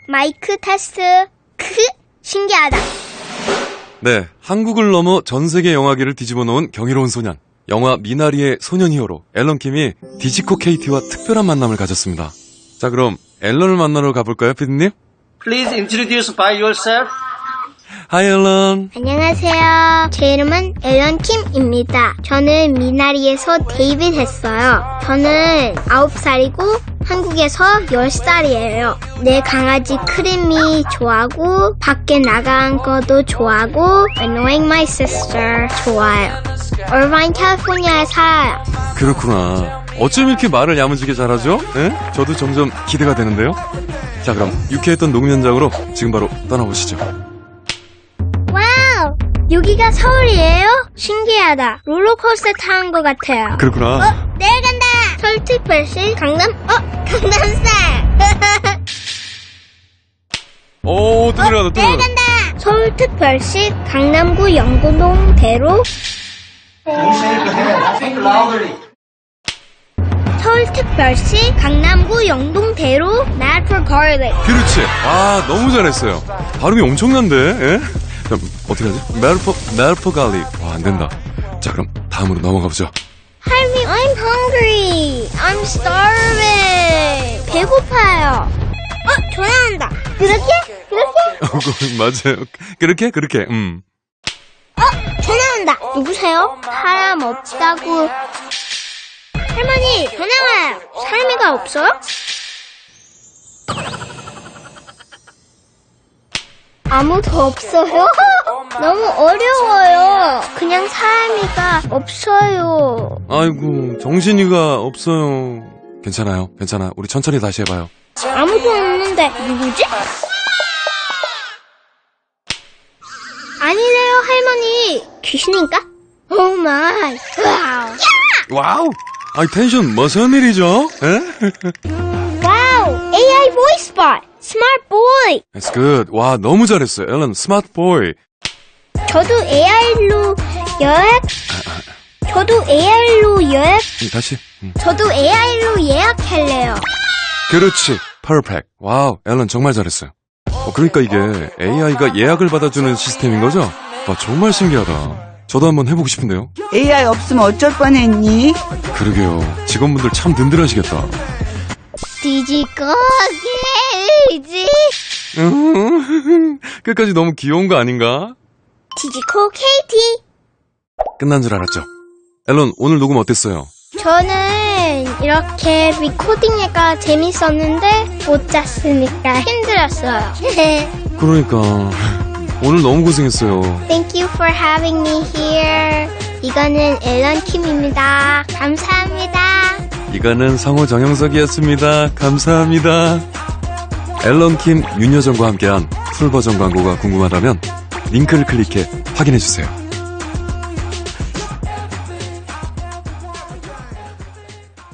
마이크 테스트. 신기하다. 네, 한국을 넘어 전 세계 영화계를 뒤집어 놓은 경이로운 소년. 영화 미나리의 소년 히어로 앨런 킴이 디지코 KT와 특별한 만남을 가졌습니다. 자, 그럼 앨런을 만나러 가볼까요, 피디님? Please introduce by yourself. Hi, 앨런. 안녕하세요. 제 이름은 앨런 킴입니다. 저는 미나리에서 데뷔 했어요. 저는 9살이고 한국에서 10살이에요. 내 강아지 크림이 좋아하고 밖에 나간 것도 좋아하고 Annoying My Sister 좋아요. 얼바인 캘리포니아에 살아요. 그렇구나. 어쩜 이렇게 말을 야무지게 잘하죠? 예? 저도 점점 기대가 되는데요. 자, 그럼 유쾌했던 녹음 현장으로 지금 바로 떠나보시죠. 와우! 여기가 서울이에요? 신기하다. 롤러코스터 타는 것 같아요. 그렇구나. 내려간다! 서울특별시 강남? 강남스타일! 오, 또 내려간다, 또 내려간다. 내려간다! 서울특별시 강남구 영도동대로 서울특별시 강남구 영동대로 Mad for Garlic. 그렇지. 아, 너무 잘했어요. 발음이 엄청난데, 예? 그럼 어떻게 하지? 멜포 갈릭. 와, 안 된다. 자, 그럼 다음으로 넘어가보죠. 할미, I'm hungry. I'm starving. 배고파요. 전화 온다. 그렇게? 맞아요. 그렇게? 전화 온다. 누구세요? 사람 없다고. 할머니, 전화 와요. 사람이가 없어요? 아무도 없어요? 너무 어려워요. 그냥 사람이가 없어요. 아이고, 정신이가 없어요. 괜찮아요. 우리 천천히 다시 해봐요. 아무도 없는데 누구지? 아니래요, 할머니. 귀신인가? 오 마이. 와우! 아이, 텐션 무슨 일이죠? 에? 와우, AI voice bot. Smart boy. That's good. 와, 너무 잘했어요. 앨런, 스마트 보이. 저도 AI로 예약. 다시. 저도 AI로 예약할래요. 그렇지. 퍼펙트. 와우, 앨런 정말 잘했어요. 그러니까 이게 AI가 예약을 받아주는 시스템인 거죠? 와, 정말 신기하다. 저도 한번 해보고 싶은데요. AI 없으면 어쩔 뻔했니? 그러게요. 직원분들 참 든든하시겠다. 디지코 케이지. 끝까지 너무 귀여운 거 아닌가? 디지코 KT. 끝난 줄 알았죠. 앨런, 오늘 녹음 어땠어요? 저는 이렇게 리코딩해가 재밌었는데 못 잤으니까 힘들었어요. 그러니까 오늘 너무 고생했어요. Thank you for having me here. 이거는 앨런 킴입니다. 감사합니다. 이거는 성우 정영석이었습니다. 감사합니다. 앨런 킴, 윤여정과 함께한 풀버전 광고가 궁금하다면 링크를 클릭해 확인해주세요.